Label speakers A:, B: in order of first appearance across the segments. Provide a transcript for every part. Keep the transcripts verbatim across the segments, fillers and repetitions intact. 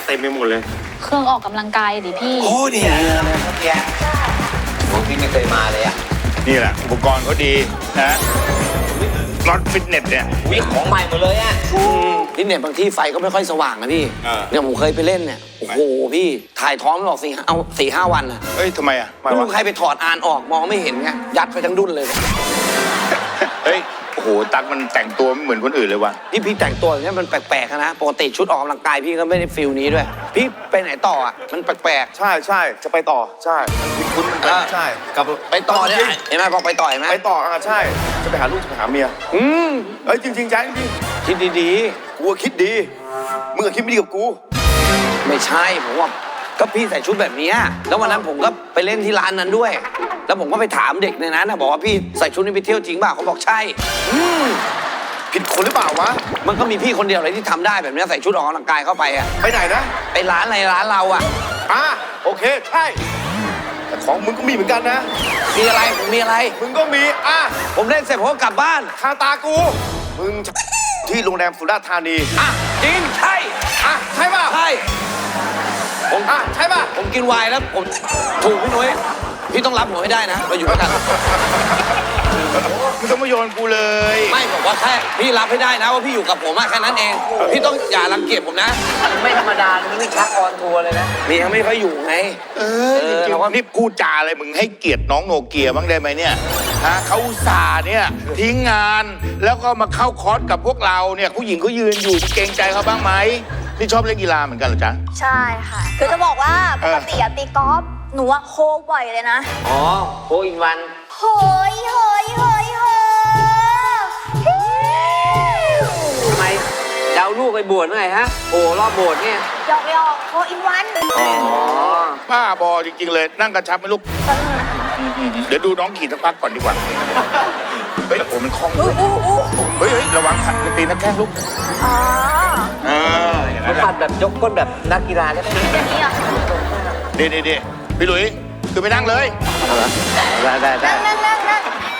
A: เต็มไปหมดเลย
B: เครื่องออกกำลังกายดิพี่
C: โอ้เนี่ยเลยพวกเนี้ยผมพี่ไม่เคยมาเลยอ่ะ
D: นี่แหละอุปกรณ์เขาดีนะรถฟิตเนสเนี่ย
C: วิของใหม่หมดเลยอ่ะฟิตเนสบางที่ไฟก็ไม่ค่อยสว่างนะพี่เนี่ยผมเคยไปเล่นเนี่ยโอ้โหพี่ถ่ายท้องไม่ออกสี่เอาสี่ห้าวันอ่ะ
D: เฮ้ยทำไมอ่ะ
C: ไม่รู้ใครไปถอดอ่านออกมองไม่เห็นไงยัดไปทั้งดุนเลย
D: เฮ้ยโอ้โหตั๊กมันแต่งตัวไม่เหมือนคนอื่นเลยว่ะ
C: พี่พี่แต่งตัวอย่างเงี้ยมันแปลกๆนะปกติชุดออกกำลังกายพี่ก็ไม่ได้ฟิลนี้ด้วยพี่ไปไหนต่ออ่ะมันแปลก
A: ๆใช่ใช่จะไปต่อใช่คุณมันใช่กับ
C: ไปต่อเนี่ยเห็นไหมบอกไปต่อเห็นไหม
A: ไปต่ออ่ะใช่จะไปหาลูกจะไปหาเมียอืมเอ้ยจริงๆใจจริง
C: คิดดี
A: ๆกูคิดดีมึงคิดไม่ดีกับกู
C: ไม่ใช่ผมว่าก็พี่ใส่ชุดแบบนี้แล้ววันนั้นผมก็ไปเล่นที่ร้านนั้นด้วยแล้วผมก็ไปถามเด็กในนั้นนะบอกว่าพี่ใส่ชุดนี้ไปเที่ยวจริงป่ะเขาบอกใช่
A: อืมผิดคนหรือเปล่าวะ
C: มันก็มีพี่คนเดียวเลยที่ทำได้แบบนี้ใส่ชุดออกกำลังกายเข้าไปอะ
A: ไปไหนนะ
C: ไปร้านอะไรร้านเราอะ
A: อ่ะโอเคใช่แต่ของมึงก็มีเหมือนกันนะ
C: มีอะไรผมมีอะไร
A: มึงก็มีอ่ะ
C: ผมเล่นเสร็จผมก็กลับบ้าน
A: ทางตากูมึงที่โรงแรมสุราษฎร์ธานี
C: อ่ะจริงใช่
A: อ่ะใช่ป่ะ
C: ใช่
A: ผมอ่ะใช่ป่ะ
C: ผมกินไวน์แล้วผมถูกพี่นุ้ยพี่ต้องรับผมให้ได้นะเราอยู่ด้วยกัน
D: มึงต้องมาโยนกูเลย
C: ไม่บอกว่าแค่พี่รับให้ได้นะว่าพี่อยู่กับผมแค่นั้นเองพี่ต้องอย่ารังเกียจผมนะไม่ธรรมดามันไม่ชักออนทัวร์เลยนะมียังไม่ค่อยอยู่ไง
D: เออจริงๆนี่พูดจาอะไรมึงให้เกียรติน้องโนเกียบ้างได้ไหมเนี่ยฮะเขาอุตส่าห์เนี่ยทิ้งงานแล้วก็มาเข้าคอร์สกับพวกเราเนี่ยผู้หญิงเขายืนอยู่เกรงใจเขาบ้างไหมนี่ชอบเล่นกีฬาเหมือนกันเหรอจ๊ะ
E: ใช่ค่ะคือจะบอกว่าปกติตีกอล์ฟหนูอะโคบ่อยเลยนะ
C: อ๋อโคอินวัน
E: เฮ้ยเฮ้ยเฮ้ยเฮ้
C: ยทำไมเดาลูกไปบวชเมื่อไหร่ฮะโอ้รอบโบสถ์เนี่ย
E: หยอกหยอกโคอินวัน
D: อ๋อบ้าบอจริงๆเลยนั่งกระชับไหมลูกเดี๋ยวดูน้องขี่สักพักก่อนดีกว่าเฮ้ยโอ้มันคล่องเฮ้ยเฮ้ยระวังขัดตีนักแข้งลูก
E: อ๋อ
D: เออ
C: เขาปัดแบบยกก้นแบบนักกีฬาใช่ไหม
E: แบบนี้อ่ะ
D: เดี๋ยวเดี๋ยวพี่หลุยคือไปนั่งเลย
C: ได้ได้ได้
E: นั่งนั่งนั่ง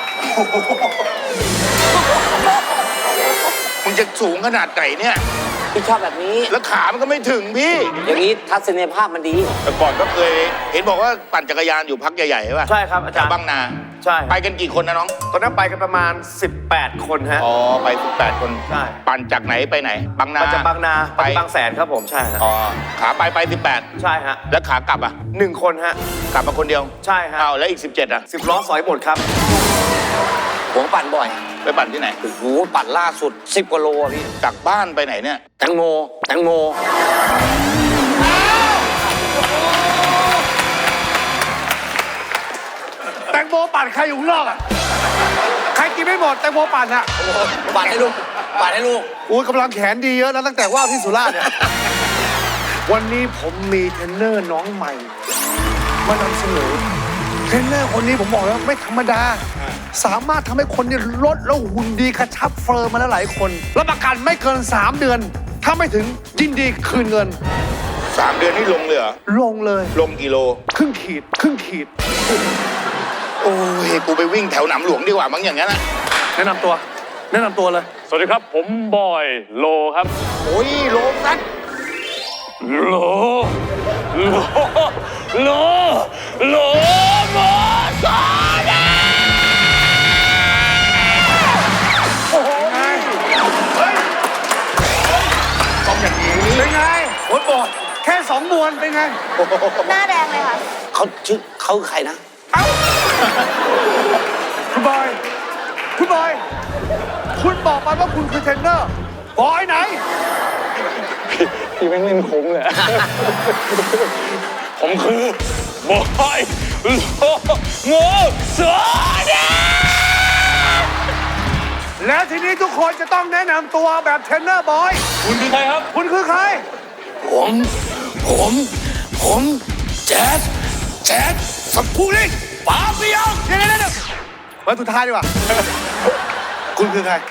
D: มึงจะสูงขนาดไหนเนี่ย
C: พี่ชอบแบบนี้
D: แล้วขามันก็ไม่ถึงพี่
C: อย่างนี้ทัศนียภาพมันดี
D: แต่ก่อนก็เคยเห็นบอกว่าปั่นจักรยานอยู่พักใหญ่ๆใช่ป่ะ
A: ใช่ครับอาจารย์
D: บางนา
A: ใช่
D: ไปกันกี่คนนะน้อง
A: ตอนนั้นไปกันประมาณสิบแปดคนฮะ
D: อ๋อไปสิบแปดคน
A: ใช่
D: ปั่นจากไหนไปไหนบางนา
A: จากบางนาไปบางแสนครับผมใช่ฮะ
D: อ๋อขาไปไปสิบแปด
A: ใช่ฮะ
D: แล้วขากลับอ่ะ
A: หนึ่งคนฮะ
D: กลับมาคนเดียว
A: ใช่ฮะ
D: เอาแล้วอีกสิบเจ็ดอ่ะ
A: สิบล้อสอยหมดครับ
C: ผมปั่นบ่อย
D: ไปปั่นที่ไหน
C: โอ้โหปั่นล่าสุดสิบกว่าโลพี่
D: จากบ้านไปไหนเนี่ย
C: แตงโมแตงโม
A: แตงโมปั่นใครอยู่ข้างนอกอ่ะใครกินไม่หมดแตงโมปั่นอ่ะ
C: ปั่นให้ลูกปั่นให้ลูก
A: อุ้ยกำลังแขนดีเยอะแล้วตั้งแต่ว่าที่สุราษฎร์เนี่ยวันนี้ผมมีเทรนเนอร์น้องใหม่มานำเสนอเทรนเนอร์คนนี้ผมบอกแล้วไม่ธรรมดาสามารถทำให้คนนี่ลดแล้วหุ่นดีกระชับเฟิร์มมาแล้วหลายคนรับประกันไม่เกินสามเดือนถ้าไม่ถึงยินดีคืนเงิน
D: สามเดือนนี่ลงเลยเหรอ
A: ลงเลย
D: ลงกิโล
A: ครึ่งขีดครึ่งขีด
D: โอ้ยกูไปวิ่งแถวหนำหลวงดีกว่ามั้งอย่างนั้นนะ
A: แนะนำตัวแนะนำตัวเลย
F: สวัสดีครับผมบอยโลครับ
D: โอ้ยโลซัด
F: โลโลโลโลโมซาดา
A: โอ้โหไงเฮ้ย
D: ต้องอย่างนี้
A: เป็นไงโอ้โหแค่สองมวนเป็นไง
E: หน้าแดงเลยค่ะ
C: เขาชื่อเขาใครนะ
A: เอ้าคุณบอยคุณบอยคุณบอกมาว่าคุณคือเทรนเนอร์บอยไหน
F: พี่แม่งเล่นคุ้มเลยผมคือบอยโลโมซาดา
A: แล้วทีนี้ทุกคนจะต้องแนะนำตัวแบบเทรนเนอร์บอย
F: คุณคือใครครับ
A: คุณคือใคร
C: ผมผมผมแจ๊ดแจ๊ดสับผู้เล่นปาเปียง
A: เดี๋ยวเดี๋ยวมาสุดท้ายดีกว่าคุณคือใคร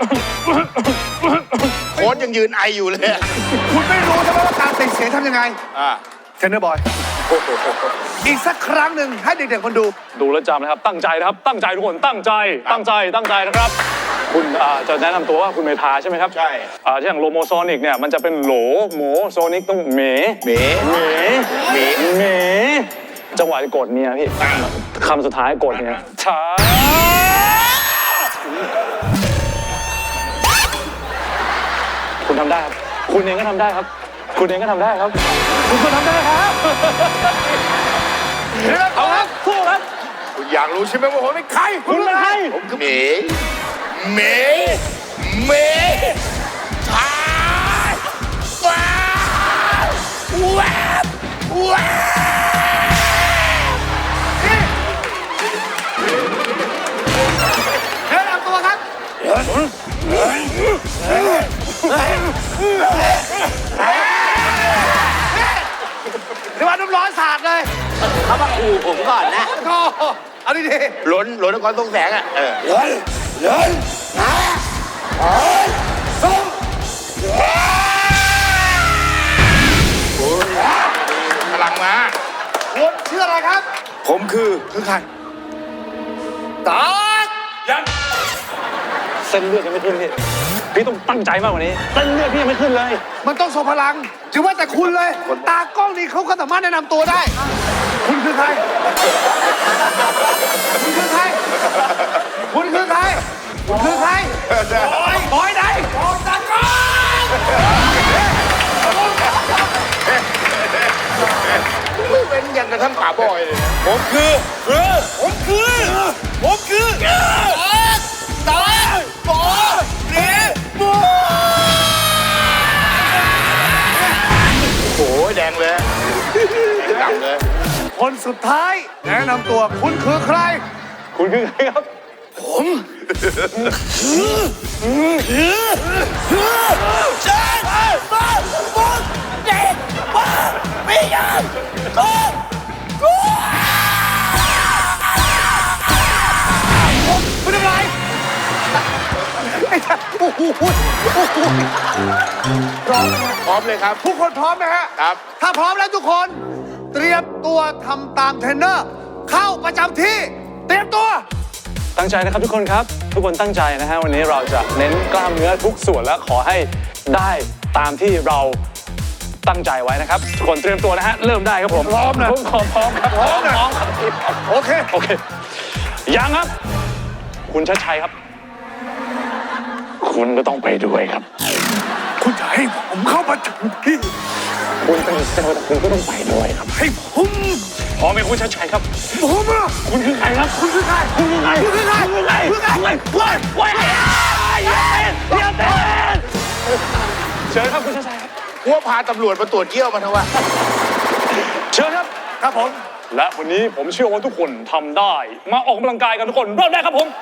D: โค้ชยังยืนไออยู่เลย
A: คุณไม่รู้ใช่ไหมว่าการติดเสียงทำยังไง
D: อ่า
A: เทรนเนอร์บอยอีกสักครั้งหนึ่งให้เด็กๆคนดู
F: ดูแลวจำนะครับตั้งใจนะครับตั้งใจทุกคนตั้งใจตั้งใจตั้งใจนะครับ
C: คุ
F: คุณอ่าจะแนะนำตัวว่าคุณเมธาใช่ไหมครับ
D: ใช่
F: อ่าอย่างโลโมโซนิกเนี่ยมันจะเป็นโหลโหมโซนิกต้องเหม
D: เหม
F: เหม
D: เหม
F: เหมจังหวะจะกดเมียพี่คำสุดท้ายกดเนี่ยช้าคุณทำได้ครับคุณเองก็ทำได้ครับ คุณเองก็ทำได้ครับ คุณก็ทำได้ครับเอาครับสู้ครับ
D: คุณอยากรู้ใช่ไหมว่าผมเป็นใคร
F: คุณเป็นใคร
D: ผมคือเหมเหมเหมชายว้าวแวบแวบ
A: แนะนำตัวครับ เดี๋ยววันน้ำร้อนสาดเลย
C: เขามาขู่ผมก่อนนะ
A: โอ้โหเอาดี
D: ล้นล้นนครทรงแสงอ่ะเออพลังมา
A: ๆคุณชื่ออะไรครับ
D: ผมคือ
A: คือใครตาก
F: ยังเส้นเลือดยังไม่ขึ้นพี่พี่ต้องตั้งใจมากกว่านี้เส้นเลือดพี่ยังไม่ขึ้นเลย
A: มันต้องทรงพลังถือว่าแต่คุณเลย ตากล้องนี่เขาก็สามารถแนะนำตัวได้ คุณคือใคร คุณคือใคร คุณคือใคร คุณคือใครบอยบอยไหนบอยตากล้อง
D: ไม่เป็นอย่างกับท่านป่าบอยเลย ผมคือคือผมคือ ผมคือตาบอเรียบโอ้ยแดงเลยแดงดำเลย
A: คนสุดท้าย แนะนำตัวคุณคือใคร
F: คุณคือใครครับ
A: คุณทำไรไอ้ท่านโอ้โหโอ้โหพร้อมไหมฮะ
D: พร้อมเลยครับ
A: ทุกคนพร้อมไหมฮะ
D: ครับ
A: ถ้าพร้อมแล้วทุกคน เตรียมตัวทำตามเทรนเนอร์ เข้าประจำที่ เตรียมตัว
F: ตั้งใจนะครับทุกคนครับ ทุกคนตั้งใจนะฮะวันนี้เราจะเน้นกล้ามเนื้อทุกส่วนและขอให้ได้ตามที่เราตั้งใจไว้นะครับทุกคนเตรียมตัวนะฮะเริ่มได้ครับผม
A: พร้อมนะ
F: ผมขอพร้อมครับ
A: พร้อมนะ
F: พร้อมครับพี่พร้อม
A: โอเค
F: โอเคยังครับ คุณชัดชัยครับ คุณก็ต้องไปด้วยครับ
A: คุณจะให้ผมเข้าประจำที่
F: คุณเป็นเซลล์แต่คุณก็ต้องไปด้วยครับ
A: ให้ผม
F: พร้อมไหมคุณชัดชัยครับ
A: ผมอะ
F: คุณคือใครครับ
A: คุณคือใคร
F: คุณคือใคร
A: คุณคือใคร
F: คุณคือใคร
A: คุณคือใคร
F: ว้ายว้ายว้ายอย่าเต้นอย่าเต้นเชิญครับคุณชัดชัยครับ
D: ว่าพาตำรวจมาตรวจเยี่ยวมันเถอะวะ
F: เชิญครับ
A: ครับผม
F: และวันนี้ผมเชื่อว่าทุกคนทำได้ มาออกกำลังกายกันทุกคนเริ่มได้ครับผม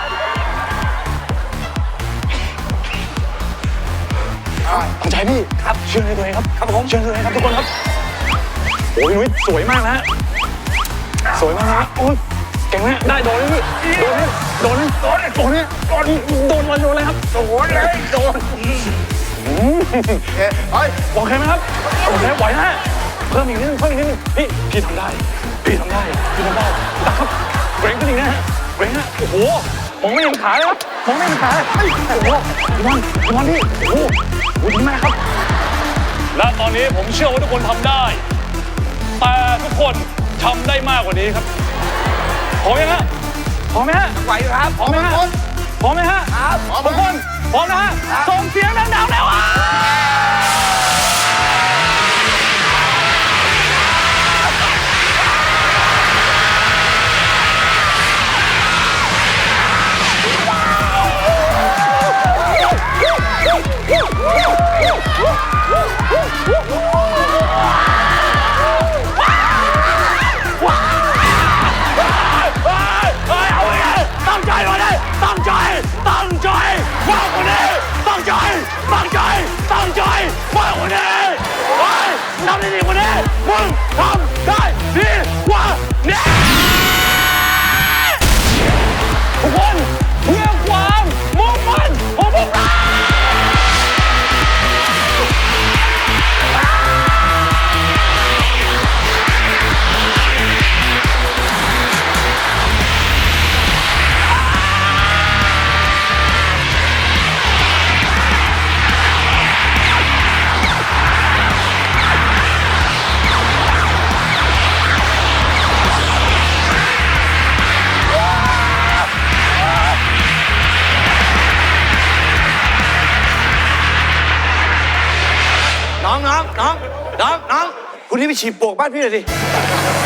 F: ตั้งใจพี่ครับเชื่อในตัวเองครับครับผมเชื่อในตัวเองครับทุกคนครับโอ้ยนุ้ยสวยมากนะฮะสวยมากนะฮะโอ้ยเก่งนะได้โดนเลยพี่โดนเลยโดนเลยโดนเลยโดนเลยโดนโดนเลยโดนเลยครับโดนเลยโดน
D: เฮ้ยเฮ้ย
F: โอเคไหมครับโอเคไหวนะฮะเพิ่มอีกนิดนึงเพิ่มอีกนิดนึงพี่พี่ทำได้พี่ทำได้พี่ทำได้ตักครับเกรงขึ้นอีกนะฮะเกรงฮะโอ้โหมองไม่เห็นขาเลยครับมองไม่เห็นขาเลยเฮ้ยโอ้โหพี่บอลพี่บอลพี่โอ้โหโอ้โหดีมากครับและตอนนี้ผมเชื่อว่าทุกคนทำได้แต่ทุกคนทำได้มากกว่านี้ครับพร้อมยังฮะพร้อมไหมฮะ
C: ไหวครับ
F: พร้อมไหมฮะพร้อมไหมฮะ
C: ครับ
F: ทุกคนพร้อมนะฮะส่งเสียงดังๆแล้วอ่ะตั้งใจมาเลยตั้งใจตั้งใจว่างกว่านี้ตั้งใจตั้งใจตั้งใจ
A: คุณนี่ไปฉีดปลวกบ้านพี่หน่อยดิ